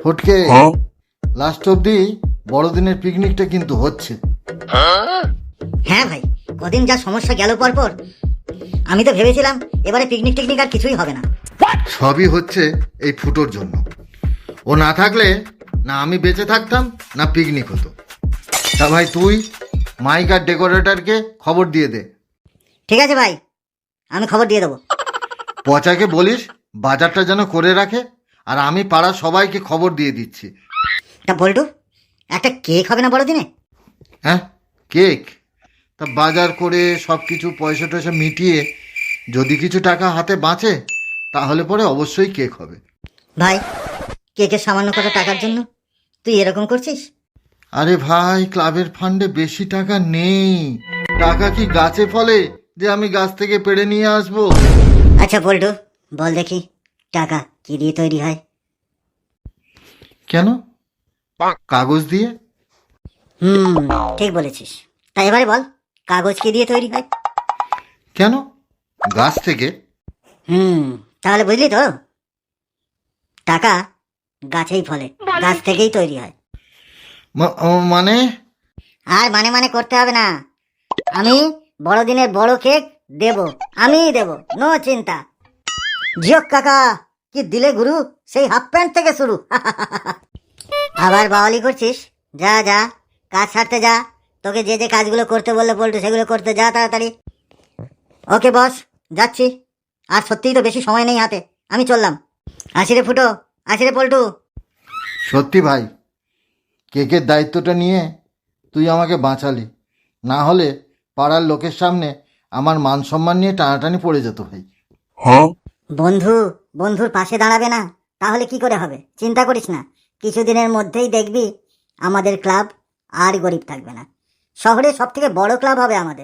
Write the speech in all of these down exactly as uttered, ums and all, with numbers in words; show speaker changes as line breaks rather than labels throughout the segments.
ফটকে লাস্ট অব্দি বড়দিনের পিকনিকটা কিন্তু হচ্ছে।
হ্যাঁ ভাই, কদিন যা সমস্যা গেল পর পর আমি তো ভেবেছিলাম এবারে পিকনিক টিকনিক আর কিছুই হবে না।
সবই হচ্ছে এই ফুটোর জন্য। ও না থাকলে না আমি বেঁচে থাকতাম না পিকনিক হতো। তা ভাই তুই মাইক আর ডেকোরেটরকে খবর দিয়ে দে।
ঠিক আছে ভাই, আমি খবর দিয়ে দেবো।
পচাকে বলিস বাজারটা যেন করে রাখে, আর আমি পাড়ার সবাইকে খবর দিয়ে দিচ্ছি।
তা বল্টু, একটা কেক হবে না বড়দিনে?
হ্যাঁ, কেক? তা বাজার করে সব কিছু পয়সা টয়সা মিটিয়ে যদি কিছু টাকা হাতে বাঁচে তাহলে পরে অবশ্যই কেক হবে।
ভাই, কেকের সামান্য কটা টাকার জন্য তুই এরকম করছিস?
আরে ভাই, ক্লাবের ফান্ডে বেশি টাকা নেই। টাকা কি গাছে ফলে যে আমি গাছ থেকে পেড়ে নিয়ে আসবো?
আচ্ছা বল্টু, বল দেখি টাকা কি দিয়ে তৈরি হয়?
কেন, কাগজ দিয়ে?
হুম, ঠিক বলেছিস। তাই এবারে বল, কাগজ কি দিয়ে তৈরি হয়?
কেন, গাছ থেকে।
হুম, তাহলে বুঝলি তো, টাকা গাছেই ফলে, গাছ থেকেই তৈরি হয়।
মা- ও মানে?
আর মানে মানে করতে হবে না। আমি বড়দিনের বড় কেক দেব, আমিই দেব, নো চিন্তা। জিওক কাকা, কি দিলে গুরু, সেই হাফ প্যান্ট থেকে শুরু। আবার বাওয়ালি করছিস? যা যা, কাজ সারতে যা। তোকে যে যে কাজগুলো করতে বললে পল্টু, সেগুলো করতে যা তাড়াতাড়ি। ওকে বস, যাচ্ছি। আর সত্যিই তো বেশি সময় নেই হাতে, আমি চললাম। আসি রে ফুটো, আসি রে পল্টু।
সত্যি ভাই, কেকের দায়িত্বটা নিয়ে তুই আমাকে বাঁচালি। না হলে পাড়ার লোকের সামনে আমার মান সম্মান নিয়ে টানাটানি পড়ে যেত ভাই।
বন্ধু বন্ধুর পাশে দাঁড়াবে না তাহলে কি করে হবে? চিন্তা করিস না, কিছুদিনের মধ্যেই দেখবি আমাদের ক্লাব আর গরিব থাকবে না। শহরে সব থেকে বড় ক্লাব হবে আমাদের।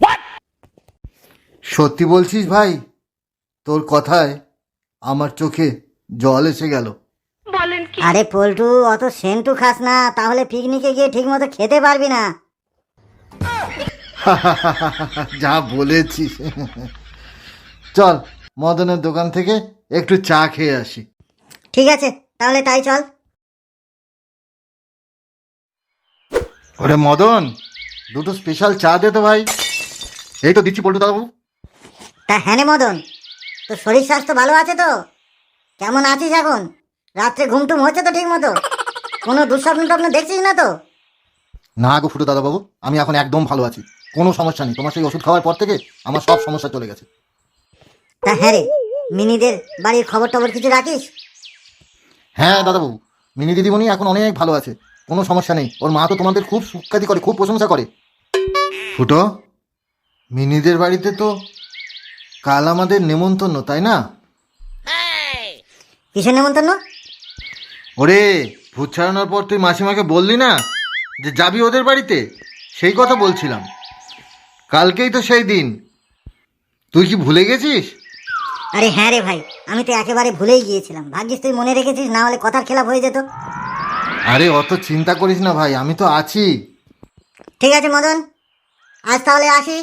সত্যি বলছিস ভাই? তোর কথায় আমার চোখে জল এসে গেল।
আরে পল্টু, অত সেন্টু খাস না, তাহলে পিকনিকে গিয়ে ঠিক মতো খেতে পারবি না।
যা বলেছিস। চল, মদনের দোকান থেকে একটু চা খেয়ে আসি।
ঠিক আছে, তাহলে তাই চল।
ওরে মদন, দুটো স্পেশাল চা দে তো ভাই। এই তো দিচ্ছি পল্টু দাদু।
তা হ্যাঁ রে মদন, তোর শরীর স্বাস্থ্য ভালো আছে তো? কেমন আছিস এখন? রাত্রে ঘুমটুম হচ্ছে তো ঠিক মতো? কোনো দুঃস্বপ্ন টপ্ন দেখছিস না তো?
না গো ফুটু দাদাবাবু, আমি এখন একদম ভালো আছি, কোনো সমস্যা নেই। তোমার সেই ওষুধ খাওয়ার পর থেকে আমার সব সমস্যা চলে গেছে।
তা হ্যাঁ রে, মিনিদের বাড়ির খবর টবর কিছু রাখিস?
হ্যাঁ দাদাবাবু, মিনি দিদিমণি এখন অনেক ভালো আছে, কোনো সমস্যা নেই। ওর মা তো তোমাদের খুব সুখ্যাতি করে, খুব প্রশংসা করে। ফুটো, মিনিদের বাড়িতে তো কাল আমাদের নেমন্তন্ন, তাই না?
কিসের নেমন্তন্ন?
ওরে, ভূত ছাড়ানোর পর তুই মাসিমাকে বললি না যে যাবি ওদের বাড়িতে? সেই কথা বলছিলাম। কালকেই তো সেই দিন, তুই কি ভুলে গেছিস?
আরে হ্যাঁ রে ভাই, আমি তো একেবারে ভুলেই গিয়েছিলাম। ভাগ্যিস তুই মনে রেখেছিস, না হলে কথার খেলাপ হয়ে যেত।
আরে অত চিন্তা করিস না ভাই, আমি তো আছি।
ঠিক আছে মদন, আজ তাহলে আসি।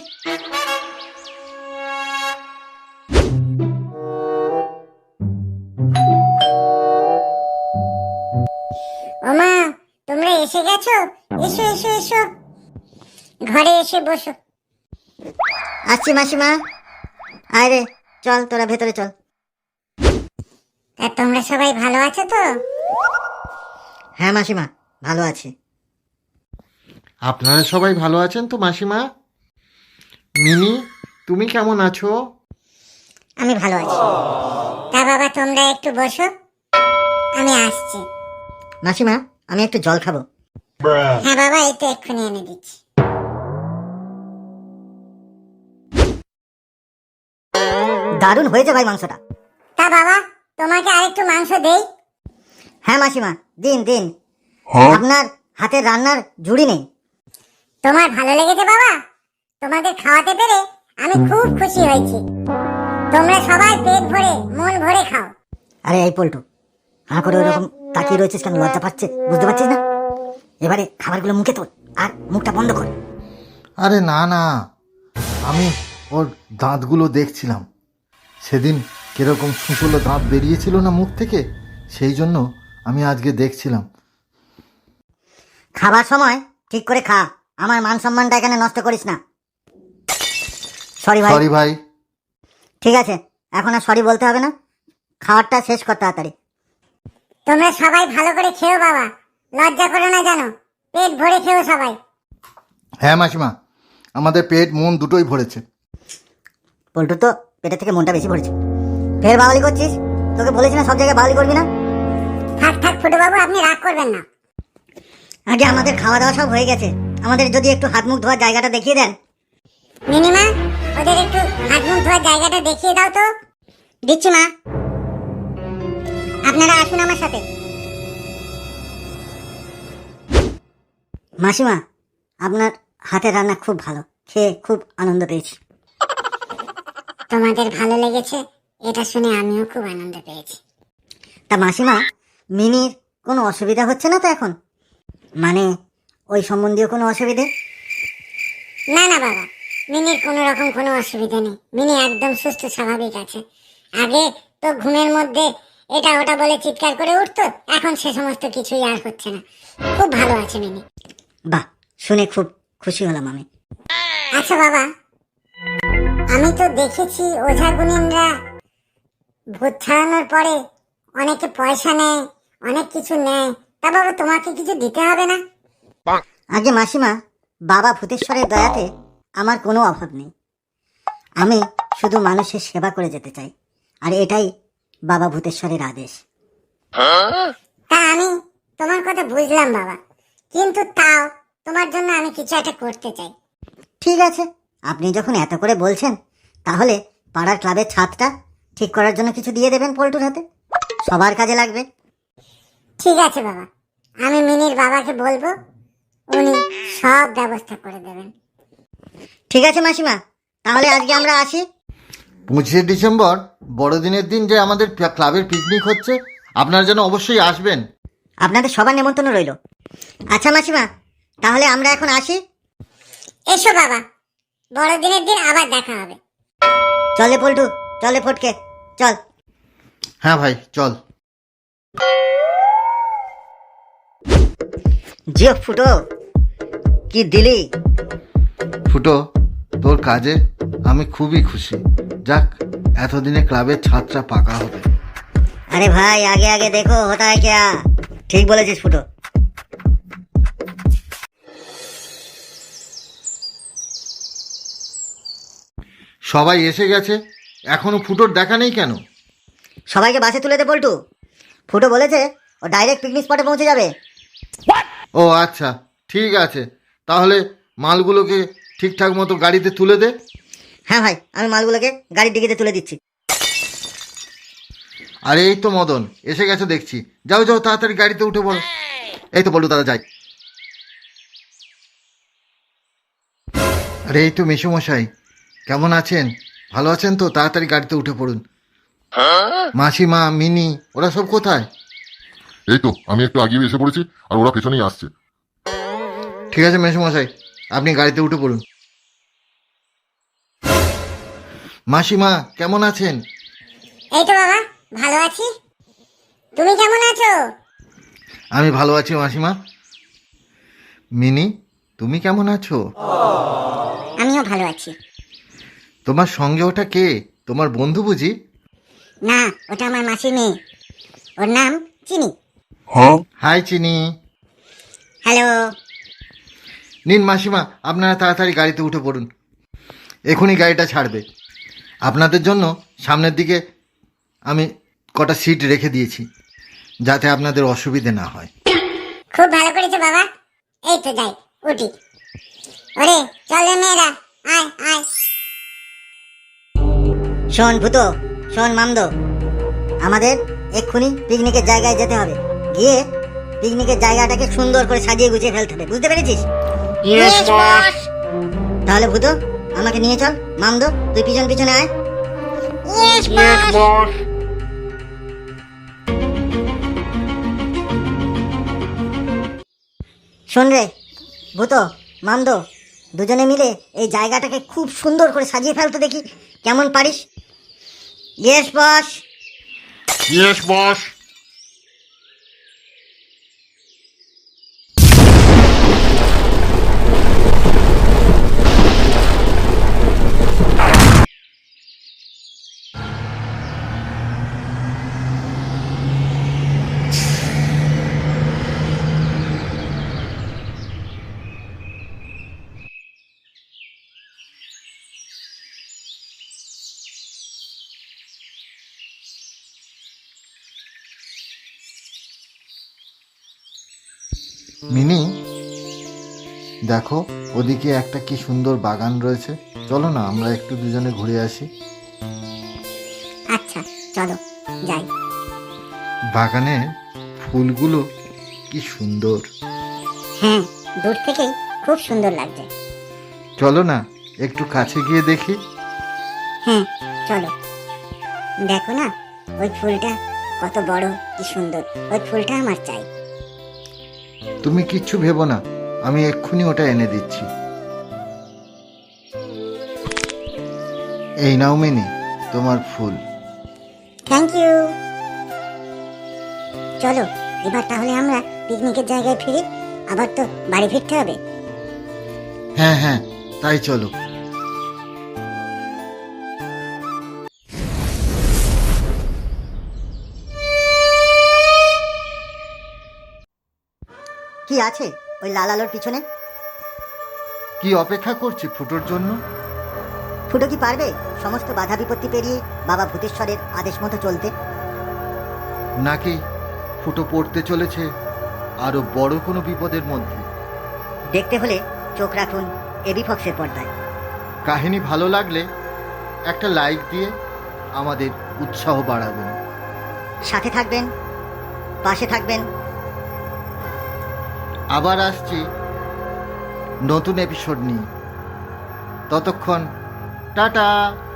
ওমা, তোমরা এসে গেছো? এসো এসো এসো, ঘরে এসে বসো।
আসছি মাসিমা। আয় রে, চল তোরা ভেতরে চল।
তা তোমরা সবাই ভালো আছো তো?
হ্যাঁ মাসিমা, ভালো আছি।
আপনারা সবাই ভালো আছেন তো মাসিমা? মিনি, তুমি কেমন আছো?
আমি ভালো আছি। তা বাবা, তোমরা একটু বসো, আমি আসছি।
মাসিমা, আমি একটু জল খাবো।
হ্যাঁ বাবা, এই তো এক্ষুনি এনে দিচ্ছি।
দারুণ হয়েছে ভাই মাংসটা।
তা বাবা, তোমাকে আরেকটু মাংস দেই?
হ্যাঁ মাসিমা, দিন দিন। আপনার হাতের রান্নার জুড়ি নেই।
তোমার ভালো লেগেছে বাবা? তোমাদের খাওয়াতে পেরে আমি খুব খুশি হয়েছি। তোমরা সবাই পেট ভরে মন ভরে খাও।
আরে এই পল্টু, হাঁ করে ওরকম তাকিয়ে রয়েছিস কেন? লজ্জা পাচ্ছে, বুঝতে পারছিস না? এবারে খাবারগুলো মুখে তোল আর মুখটা বন্ধ কর।
আরে না না, আমি ওর দাঁতগুলো দেখছিলাম। সেদিন কিরকম সুঁচলো দাঁত বেরিয়েছিল না মুখ থেকে, সেই জন্য আমি আজকে দেখছিলাম।
খাবার সময় ঠিক করে খা, আমার মান সম্মানটা এখানে নষ্ট করিস না। সরি ভাই।
সরি ভাই।
ঠিক আছে, এখন আর সরি বলতে হবে না, খাবারটা শেষ কর তাড়াতাড়ি।
তোমরা সবাই ভালো করে খেও বাবা, লজ্জা করো না জানো, পেট ভরে খেও সবাই।
হ্যাঁ মাসিমা, আমাদের পেট মন দুটোই ভরেছে।
পল্টু তো পেটের থেকে মনটা বেশি পড়েছে। ফের বাওয়ালি করছিস? তোকে বলেছি না সব জায়গায় বাওয়ালি করবি না।
থাক থাক ফুটু বাবু, আপনি রাগ করবেন না।
আগে আমাদের খাওয়া দাওয়া সব হয়ে গেছে, আমাদের যদি একটু হাত মুখ ধোয়ার জায়গাটা দেখিয়ে দেন।
মিনিমা, ওদের একটু হাত মুখ ধোয়ার জায়গাটা দেখিয়ে দাও তো। দিচ্ছি মা, আপনারা আসুন আমার সাথে।
মাসিমা, আপনার হাতের রান্না খুব ভালো, খেয়ে খুব আনন্দ পেয়েছি।
তোমাদের ভালো লেগেছে এটা শুনে আমিও খুব আনন্দ পেয়েছি।
তা মাসিমা, মিনির কোনো অসুবিধা হচ্ছে না তো এখন? মানে ওই সম্বন্ধীয় কোনো অসুবিধে?
না না বাবা, মিনির কোনো রকম কোনো অসুবিধা নেই, মিনি একদম সুস্থ স্বাভাবিক আছে। আগে তো ঘুমের মধ্যে এটা ওটা বলে চিৎকার করে উঠতো, এখন সে সমস্ত কিছুই আর হচ্ছে না, খুব ভালো আছে মিনি।
বাহ, শুনে খুব খুশি হলাম আমি।
আচ্ছা বাবা, আমি তো দেখেছি ওঝা গুনিনরা ভূত ছাড়ানোর পরে অনেকে পয়সা নেয়, অনেক কিছু নেয়, তা বাবা তোমাকে কিছু দিতে হবে না?
আগে মাসিমা, বাবা ভূতেশ্বরের দয়াতে আমার কোনো অভাব নেই, আমি শুধু মানুষের সেবা করে যেতে চাই, আর এটাই বাবা ভূতেশ্বরের আদেশ।
তা আমি তোমার কথা বুঝলাম বাবা, কিন্তু তাও তোমার জন্য আমি কিছু একটা করতে চাই।
ঠিক আছে, আপনি যখন এত করে বলছেন, তাহলে পাড়ার ক্লাবের ছাদটা ঠিক করার জন্য কিছু দিয়ে দেবেন পল্টুর হাতে, সবার কাজে লাগবে।
ঠিক আছে বাবা, আমি মিনির বাবাকে বলবো, উনি সব ব্যবস্থা করে দেবেন।
ঠিক আছে মাসিমা, তাহলে আজকে আমরা আসি।
পঁচিশে ডিসেম্বর বড়দিনের দিন যে আমাদের পি- ক্লাবের পিকনিক হচ্ছে, আপনারা যেন অবশ্যই আসবেন।
আপনাদের সবার নেমন্তন্ন রইল। আচ্ছা মাসিমা, তাহলে আমরা এখন আসি।
এসো বাবা, বড়দিনের দিন আবার দেখা হবে।
চলে পল্টু, চলে ফটকে, চল।
হ্যাঁ ভাই, চল।
জিও ফুটো, কি দিলি?
ফুটো, তোর কাজে আমি খুবই খুশি। যাক, এতদিনে ক্লাবের ছাদটা পাকা হবে।
আরে ভাই, আগে আগে দেখো হতা হ্যায় ক্যা। ঠিক বলেছিস ফুটো।
সবাই এসে গেছে, এখনো ফুটোর দেখা নেই কেন?
সবাইকে বাসে তুলে দে পল্টু, ফুটো বলেছে ও ডাইরেক্ট পিকনিক স্পটে পৌঁছে যাবে।
ও আচ্ছা, ঠিক আছে, তাহলে মালগুলোকে ঠিকঠাক মতো গাড়িতে তুলে দে।
হ্যাঁ ভাই, আমি মালগুলোকে গাড়ির ডিকিতে তুলে দিচ্ছি।
আর এই তো মদন এসে গেছে দেখছি, যাও যাও তাড়াতাড়ি গাড়িতে উঠে পড়ো। এই তো বলু দাদা, যাই। আরে এই তো মেসোমশাই, কেমন আছেন? ভালো আছেন তো? তাড়াতাড়ি গাড়িতে উঠে পড়ুন। মাসিমা, মিনি, ওরা সব কোথায়?
এই তো আমি একটু আগিয়ে এসে পড়েছি, আর ওরা পেছনেই আসছে।
ঠিক আছে মেসোমশাই, আপনি গাড়িতে উঠে পড়ুন। মাসিমা, কেমন আছেন?
এই তো বাবা, ভালো আছি, তুমি কেমন আছো?
আমি ভালো আছি মাসিমা। মিনি, তুমি কেমন আছো?
আমিও ভালো আছি।
তোমার সঙ্গে ওটা কে? তোমার বন্ধু বুঝি?
না, ওটা আমার মাসির মেয়ে, ওর নাম চিনি।
হাই চিনি।
হ্যালো।
নিন মাসিমা, আপনারা তাড়াতাড়ি গাড়িতে উঠে পড়ুন, এখনই গাড়িটা ছাড়বে। আপনাদের জন্য সামনের দিকে আমি কটা সিট রেখে দিয়েছি, যাতে আপনাদের অসুবিধে না হয়।
খুব ভালো করেছো বাবা, এই তো যাই, উঠি। ওরে চল রে মেয়েরা, আয় আয়।
শোন ভূতো, শোন মামদো, আমাদের এক্ষুনি পিকনিকের জায়গায় যেতে হবে, গিয়ে পিকনিকের জায়গাটাকে সুন্দর করে সাজিয়ে গুছিয়ে ফেলতে হবে, বুঝতে পেরেছিস? তাহলে ভূতো, আমাকে নিয়ে চল। মামদো, তুই পিছন পিছনে আয়। শোন রে ভূতো, মামদো, দুজনে মিলে এই জায়গাটাকে খুব সুন্দর করে সাজিয়ে ফেলতে দেখি, কেমন পারিস? Yes boss.
Yes boss.
Mini, দেখো ওদিকে একটা কি সুন্দর বাগান রয়েছে, চলো না আমরা একটু দুজনে ঘুরে আসি।
আচ্ছা চলো যাই।
বাগানের ফুলগুলো কি সুন্দর।
হ্যাঁ, দূর থেকেই খুব সুন্দর লাগছে।
চলো না একটু কাছে গিয়ে দেখি।
হ্যাঁ চলো। দেখো না ওই ফুলটা কত বড়, কি সুন্দর। ওই ফুলটা আমার চাই।
তুমি কিচ্ছু ভেবো না, আমি এক্ষুনি ওটা এনে দিচ্ছি। এই নাও মিনি, তোমার ফুল।
Thank you. চলো এবার তাহলে আমরা পিকনিকের জায়গায় ফিরি, আবার তো বাড়ি ফিরতে হবে।
হ্যাঁ হ্যাঁ, তাই চলো।
কি আছে ওই লাল আলোর পিছনে?
কি অপেক্ষা করছি ফুটোর জন্য?
ফুটো কি পারবে সমস্ত বাধা বিপত্তি পেরিয়ে বাবা ভূতেশ্বরের আদেশ মতো চলতে?
নাকি ফুটো পড়তে চলেছে আরো বড় কোনো বিপদের মধ্যে?
দেখতে হলে চোখ রাখুন এবি ফক্সের পর্দায়।
কাহিনী ভালো লাগলে একটা লাইক দিয়ে আমাদের উৎসাহ বাড়াবেন।
সাথে থাকবেন, পাশে থাকবেন।
আবার আসছি নতুন এপিসোড নিয়ে। ততক্ষণ টাটা।